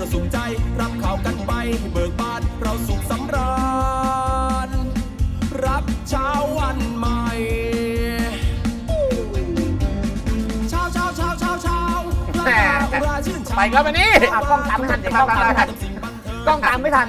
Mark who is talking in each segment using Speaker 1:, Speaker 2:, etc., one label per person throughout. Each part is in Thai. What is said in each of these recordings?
Speaker 1: สุขใจรับข่าวกันไปเบิกบานเราสุขสำราญรับเช้าวันใหม่เช้า
Speaker 2: ไปครับวันนี้
Speaker 3: กล้องตามไม่ทันกล้องตามไม่ทันกล้องตามไม่ทัน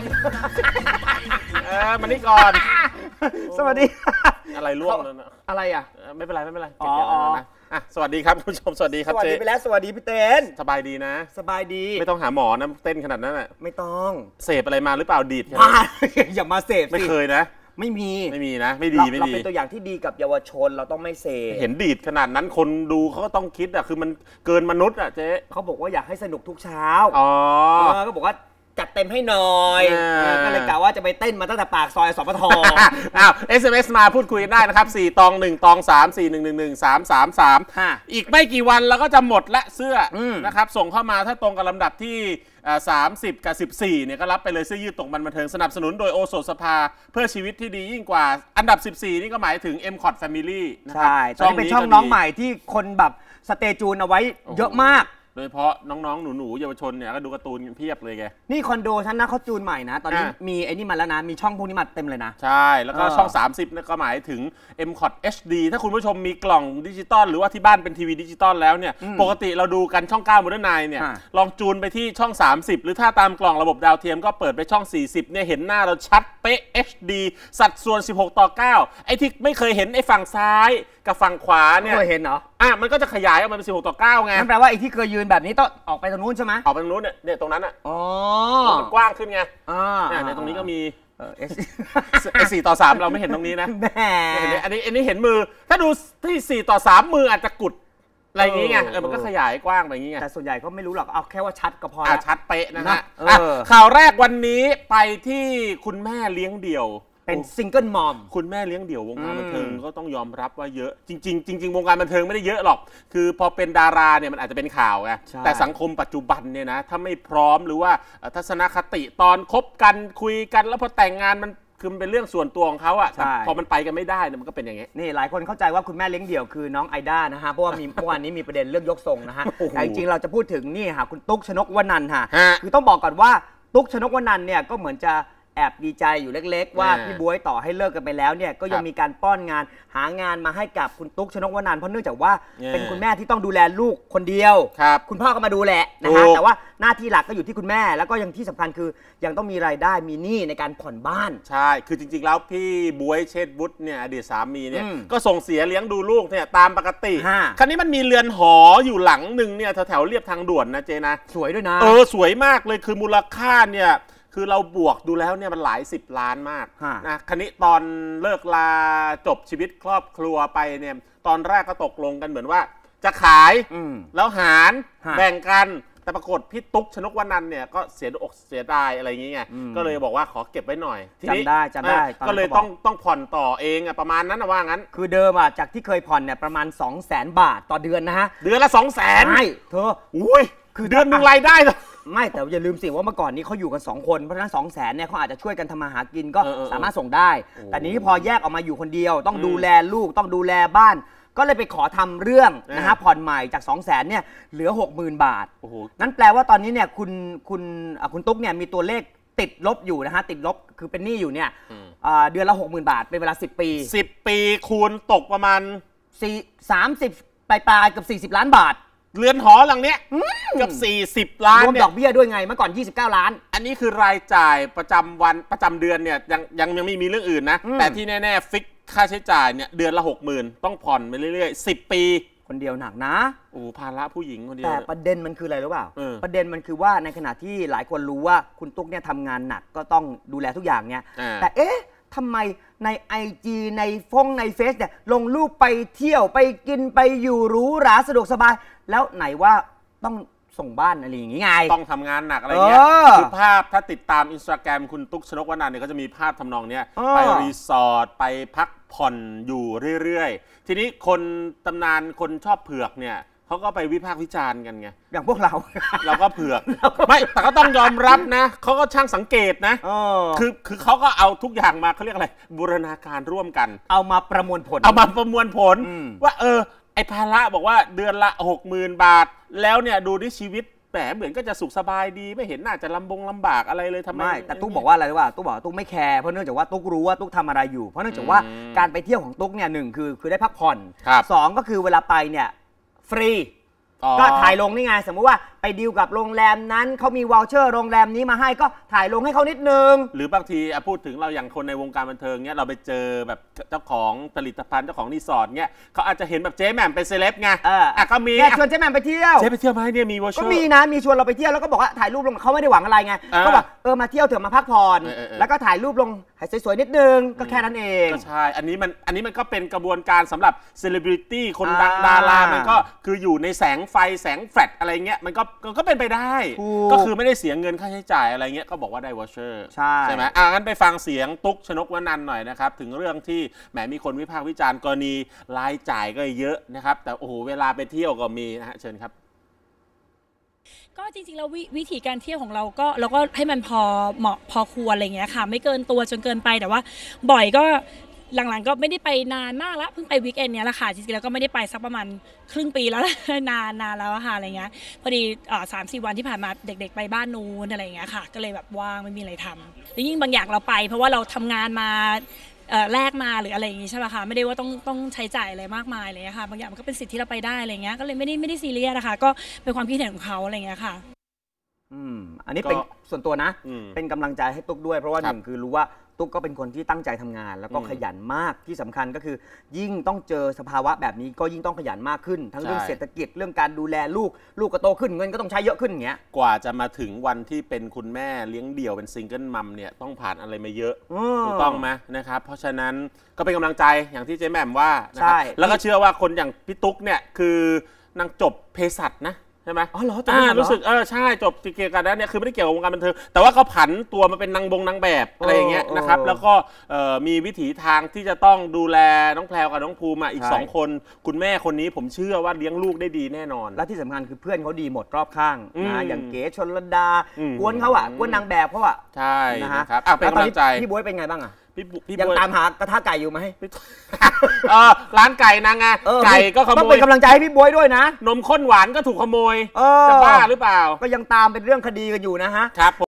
Speaker 2: มานี่ก่อน
Speaker 3: สวัสดี
Speaker 2: อะไรล่วงแล้วนะ
Speaker 3: อะไรอ่ะ
Speaker 2: ไม่เป็นไรอ๋อสวัสดีครับคุณผู้ชมสวัสดีครับ
Speaker 3: สวัสดีไปแล้วสวัสดีพี่เต้น
Speaker 2: สบายดีนะ
Speaker 3: สบายดี
Speaker 2: ไม่ต้องหาหมอนะเต้นขนาดนั้นแหละ
Speaker 3: ไม่ต้อง
Speaker 2: เสพอะไรมาหรือเปล่าดีด
Speaker 3: อย่ามาเสพสิ
Speaker 2: ไม่เคยนะ
Speaker 3: ไม่มี
Speaker 2: นะไม่ดี
Speaker 3: เราเป็นตัวอย่างที่ดีกับเยาวชนเราต้องไม่เสพ
Speaker 2: เห็นดีดขนาดนั้นคนดูเขาก็ต้องคิดอ่ะคือมันเกินมนุษย์อ่ะเจ๊
Speaker 3: เขาบอกว่าอยากให้สนุกทุกเช้าก็บอกว่าจัดเต็มให้หน่อยก็เลยกะว่าจะไปเต้นมาตั้งแต่ปากซอยสปท
Speaker 2: SMS มาพูดคุยกันได้นะครับ4ตอง1ตอง3 4 1 1 1 3 3 3อีกไม่กี่วันเราก็จะหมดละเสื้อนะครับส่งเข้ามาถ้าตรงกับลำดับที่30กับ14เนี่ยก็รับไปเลยเสื้อยืดตกมันบันเทิงสนับสนุนโดยโอโซสภาเพื่อชีวิตที่ดียิ่งกว่าอันดับ14นี่ก็หมายถึง MCOT Family
Speaker 3: นะครับใช่ตอนนี้เป็นช่องน้องใหม่ที่คนแบบสเตจูนเอาไว้เยอะมาก
Speaker 2: โดยเฉพาะน้องๆหนูๆเยาวชนเนี่ยก็ดูการ์ตูนเพียบเลยแก
Speaker 3: นี่คอนโดฉันนะเขาจูนใหม่นะตอนนี้มีไอ้นี่มาแล้วนะมีช่องพวกนี้มาเต็มเลยนะ
Speaker 2: ใช่แล้วก็ช่อง30นี่ก็หมายถึง MCOT HD ถ้าคุณผู้ชมมีกล่องดิจิตอลหรือว่าที่บ้านเป็นทีวีดิจิตอลแล้วเนี่ยปกติเราดูกันช่อง9 Modern Night เนี่ยลองจูนไปที่ช่อง30หรือถ้าตามกล่องระบบดาวเทียมก็เปิดไปช่อง40เนี่ยเห็นหน้าเราชัดเป๊ะ HD สัดส่วน16:9ไอ้ที่ไม่เคยเห็นไอ้ฝั่งซ้ายกับฝั่งขวาเนี่ย
Speaker 3: เคยเห็นเหรอ
Speaker 2: มันก็จะขยายออกมาเป็น16:9ไง
Speaker 3: นั่นแปลว่าไอ้ที่เคยยืนแบบนี้ต้องออกไปตรงนู้นใช่ไหม
Speaker 2: ออกไปตรงนู้นเนี่ยตรงนั้นอ่ะมันกว้างขึ้นไงในตรงนี้ก็มี4:3เราไม่เห็นตรงนี้นะอันนี้เห็นมือถ้าดูที่4:3มืออาจจะกุดอะไรอย่างงี้ไงมันก็ขยายกว้างไปอย่างงี้ไง
Speaker 3: แต่ส่วนใหญ่ก็ไม่รู้หรอกเอาแค่ว่าชัดก็พอ
Speaker 2: ชัดเป๊ะนะฮะข่าวแรกวันนี้ไปที่คุณแม่เลี้ยงเดี่ยว
Speaker 3: เป็นซิงเกิลมอม
Speaker 2: คุณแม่เลี้ยงเดี่ยววงการบันเทิงก็ต้องยอมรับว่าเยอะจริงวงการบันเทิงไม่ได้เยอะหรอกคือพอเป็นดาราเนี่ยมันอาจจะเป็นข่าวไงแต่สังคมปัจจุบันเนี่ยนะถ้าไม่พร้อมหรือว่าทัศนคติตอนคบกันคุยกันแล้วพอแต่งงานมันคือมันเป็นเรื่องส่วนตัวของเขาอะพอมันไปกันไม่ได้เนี่ยมันก็เป็นอย่างงี้
Speaker 3: นี่หลายคนเข้าใจว่าคุณแม่เลี้ยงเดี่ยวคือน้องไอด้านะฮะเพราะว่ามีเมื่อวานนี้มีประเด็นเรื่องยกทรงนะฮะแต่จริงๆเราจะพูดถึงนี่ค่ะคุณตุ๊กชนกวนันท์ค่ะคือต้องบอกก่อนว่าตุ๊กชนกวนันท์เนี่ยก็เหมือนจะแอบดีใจอยู่เล็กๆว่าพี่บ๊วยต่อให้เลิกกันไปแล้วเนี่ยก็ยังมีการป้อนงานหางานมาให้กับคุณตุ๊กชนกวนันท์เพราะเนื่องจากว่าเป็นคุณแม่ที่ต้องดูแลลูกคนเดียวคุณพ่อก็มาดูแลนะฮะแต่ว่าหน้าที่หลักก็อยู่ที่คุณแม่แล้วก็ยังที่สำคัญคือยังต้องมีรายได้มีหนี้ในการผ่อนบ้าน
Speaker 2: ใช่คือจริงๆแล้วพี่บ๊วยเชษฐวุฒิเนี่ยอดีตสามีเนี่ยก็ส่งเสียเลี้ยงดูลูกเนี่ยตามปกติคราวนี้มันมีเรือนหออยู่หลังหนึ่งเนี่ยแถวเรียบทางด่วนนะเจนะ
Speaker 3: สวยด้วยนะ
Speaker 2: สวยมากเลยคือมูลค่าเนี่ยคือเราบวกดูแล้วเนี่ยมันหลาย10 ล้านมากนะคราวนี้ตอนเลิกลาจบชีวิตครอบครัวไปเนี่ยตอนแรกก็ตกลงกันเหมือนว่าจะขายแล้วหารแบ่งกันแต่ปรากฏพี่ตุ๊กชนกวนันท์เนี่ยก็เสียอกเสียดายอะไรอย่างเงี้ยก็เลยบอกว่าขอเก็บไว้หน่อย
Speaker 3: ทีนี้จำได้
Speaker 2: ก็เลยต้องผ่อนต่อเองประมาณนั้นนะว่างั้น
Speaker 3: คือเดิมจากที่เคยผ่อนเนี่ยประมาณ 200,000 บาทต่อเดือนนะฮะ
Speaker 2: เดือนละ 200,000ใช่
Speaker 3: เธอ
Speaker 2: อุ้ยคือเดือนนึงรายได้
Speaker 3: ไม่แต่อย่าลืมสิว่าเมื่อก่อนนี้เขาอยู่กัน2 คนเพราะฉะนั้น200,000เนี่ยเขาอาจจะช่วยกันทำมาหากินก็สามารถส่งได้แต่นี้พอแยกออกมาอยู่คนเดียวต้องดูแลลูกต้องดูแลบ้านก็เลยไปขอทำเรื่องนะฮะผ่อนใหม่จาก200,000เนี่ยเหลือ 60,000 บาทนั่นแปลว่าตอนนี้เนี่ยคุณตุ๊กเนี่ยมีตัวเลขติดลบอยู่นะฮะติดลบคือเป็นหนี้อยู่เนี่ยเดือนละ 60,000 บาทเป็นเวลา10 ปี
Speaker 2: 10 ปีคูณตกประมาณ
Speaker 3: 30ปลายๆกับ40 ล้านบาท
Speaker 2: เรือนหอหลังเนี้ยกับ40 ล้าน
Speaker 3: รวมดอกเบี้ยด้วยไงเมื่อก่อน29 ล้าน
Speaker 2: อันนี้คือรายจ่ายประจำวันประจำเดือนเนี่ยยังไม่มีเรื่องอื่นนะแต่ที่แน่ๆฟิกค่าใช้จ่ายเนี่ยเดือนละ 60,000ต้องผ่อนไปเรื่อยๆ10 ปี
Speaker 3: คนเดียวหนักนะ
Speaker 2: ภาระผู้หญิงคนเดียว
Speaker 3: แต่ประเด็นมันคืออะไรรู้เปล่าประเด็นมันคือว่าในขณะที่หลายคนรู้ว่าคุณตุ๊กเนี่ยทำงานหนักก็ต้องดูแลทุกอย่างเนี่ยแต่ทำไมใน IG ในในเฟซเนี่ยลงรูปไปเที่ยวไปกินไปอยู่หรูหราสะดวกสบายแล้วไหนว่าต้องส่งบ้านอะไรอย่างงี้ไง
Speaker 2: ต้องทำงานหนักอะไรเงี้ยคือภาพถ้าติดตาม Instagram คุณตุ๊กชนกวนันท์เนี่ยก็จะมีภาพทำนองเนี้ยไปรีสอร์ทไปพักผ่อนอยู่เรื่อยๆทีนี้คนตำนานคนชอบเผือกเนี่ยเขาก็ไปวิพากษ์วิจารณ์กันไง
Speaker 3: อย่างพวกเรา
Speaker 2: ก็เผือกไม่แต่ก็ต้องยอมรับนะเขาก็ช่างสังเกตนะคือเขาก็เอาทุกอย่างมาเขาเรียกอะไรบูรณาการร่วมกัน
Speaker 3: เอามาประมวลผล
Speaker 2: ว่าไอ้ภาระบอกว่าเดือนละ 60,000 บาทแล้วเนี่ยดูที่ชีวิตเหมเหมือนก็จะสุขสบายดีไม่เห็นน่าจะลำบากอะไรเลยทำไม
Speaker 3: แต่ตุ๊กบอกว่าอะไรว่าตุ๊กบอกตุ๊กไม่แคร์เพราะเนื่องจากว่าตุ๊กรู้ว่าตุ๊กทำอะไรอยู่เพราะเนื่องจากว่าการไปเที่ยวของตุ๊กเนี่ยหนึ่งคือได้พักผ่อน2ก็คือเวลาไปเนี่ยฟรีก็ถ่ายลงนี่ไงสมมุติว่าไปดีลกับโรงแรมนั้นเขามีวอลเชอร์โรงแรมนี้มาให้ก็ถ่ายลงให้เขานิดนึง
Speaker 2: หรือบางทีพูดถึงเราอย่างคนในวงการบันเทิงเนี้ยเราไปเจอแบบเจ้าของผลิตภัณฑ์เจ้าของรีสอร์ทเนี้ยเขาอาจจะเห็นแบบเจ๊แหม่มเป็นเซเลบไงก็มี
Speaker 3: ชวนเจ๊แหม่มไปเที่ยว
Speaker 2: เจ๊ไปเที่ยวไหมเนี่ยมีวอลเชอร์
Speaker 3: ก็มีนะมีชวนเราไปเที่ยวแล้วก็บอกว่าถ่ายรูปลงเขาไม่ได้หวังอะไรไงก็บอกมาเที่ยวเถอะมาพักผ่อนแล้วก็ถ่ายรูปลงให้สวยๆนิดนึงก็แค่นั้นเอง
Speaker 2: ก็ใช่อันนี้มันก็เป็นกระบวนการสำหรับเซเลบริตี้คนดังดารามันก็คืออยู่ในแสงไฟแสงแฟลชอะไรเงี้ยมันก็เป็นไปได้ก็คือไม่ได้เสียเงินค่าใช้จ่ายอะไรเงี้ยก็บอกว่าได้วอเชอร์ใช่ไหมงั้นไปฟังเสียงตุ๊กชนกวนันท์หน่อยนะครับถึงเรื่องที่แหมมีคนวิพากษ์วิจารณ์กรณีรายจ่ายก็เยอะนะครับแต่โอ้โหเวลาไปเที่ยวก็มีนะฮะเชิญครับ
Speaker 4: ก็จริงๆแล้ววิธีการเที่ยวของเราก็ให้มันพอเหมาะพอควรอะไรเงี้ยค่ะไม่เกินตัวจนเกินไปแต่ว่าบ่อยก็หลังๆก็ไม่ได้ไปนานมากแล้วเพิ่งไปวีคเอนด์เนี้ยแหละค่ะจริงๆแล้วก็ไม่ได้ไปสักประมาณครึ่งปีแล้วนานแล้วค่ะอะไรเงี้ยพอดี3-4 วันที่ผ่านมาเด็กๆไปบ้านนู้นอะไรเงี้ยค่ะก็เลยแบบว่างไม่มีอะไรทำแล้วยิ่งบางอย่างเราไปเพราะว่าเราทำงานมาแลกมาหรืออะไรอย่างงี้ใช่ไหมคะไม่ได้ว่าต้องใช้จ่ายอะไรมากมายเลยค่ะบางอย่างมันก็เป็นสิทธิ์ที่เราไปได้อะไรเงี้ยก็เลยไม่ได้ซีเรียสนะคะก็เป็นความคิดเห็นของเขาอะไรเงี้ยค่ะ
Speaker 3: อันนี้เป็นส่วนตัวนะเป็นกำลังใจให้ตุ๊กด้วยเพราะว่าหนึ่งคือรู้ว่าตุ๊กก็เป็นคนที่ตั้งใจทำงานแล้วก็ขยันมากที่สำคัญก็คือยิ่งต้องเจอสภาวะแบบนี้ก็ยิ่งต้องขยันมากขึ้นทั้งเรื่องเศรษฐกิจเรื่องการดูแลลูกก็โตขึ้นเงินก็ต้องใช้เยอะขึ้นอย่างเงี้ย
Speaker 2: กว่าจะมาถึงวันที่เป็นคุณแม่เลี้ยงเดี่ยวเป็นซิงเกิลมัมเนี่ยต้องผ่านอะไรมาเยอะถูกต้องไหมนะครับเพราะฉะนั้นก็เป็นกำลังใจอย่างที่เจ๊แหม่มว่านะครับแล้วก็เชื่อว่าคนอย่างพี่ตุ๊กเนี่ยคือนางจบเภสัชนะใช่ไหม
Speaker 3: อ๋อเหรอ
Speaker 2: รู้สึกใช่จบเกี่ยวกับนั้นเนี่ยคือไม่ได้เกี่ยวกับวงการบันเทิงแต่ว่าเขาผันตัวมาเป็นนางแบบอะไรอย่างเงี้ยนะครับแล้วก็มีวิถีทางที่จะต้องดูแลน้องแพรวกับน้องภูมิอีก2คนคุณแม่คนนี้ผมเชื่อว่าเลี้ยงลูกได้ดีแน่นอน
Speaker 3: และที่สำคัญคือเพื่อนเขาดีหมดรอบข้างนะอย่างเก๋ชลดากวนเขากวนนางแบบเขา
Speaker 2: ใช่นะครับเป็นกำลังใจ
Speaker 3: พี่บ๊วยเป็นไงบ้าง
Speaker 2: พี่
Speaker 3: ยังตามหากระทะไก่อยู่ไหม
Speaker 2: ร้านไก่นางไก่ก็ขโมย
Speaker 3: ต้องเป็นกำลังใจให้พี่บ๊วยด้วยนะ
Speaker 2: นมข้นหวานก็ถูกขโมยจะบ้าหรือเปล่า
Speaker 3: ก็ยังตามเป็นเรื่องคดีกันอยู่นะฮะ
Speaker 2: ครับ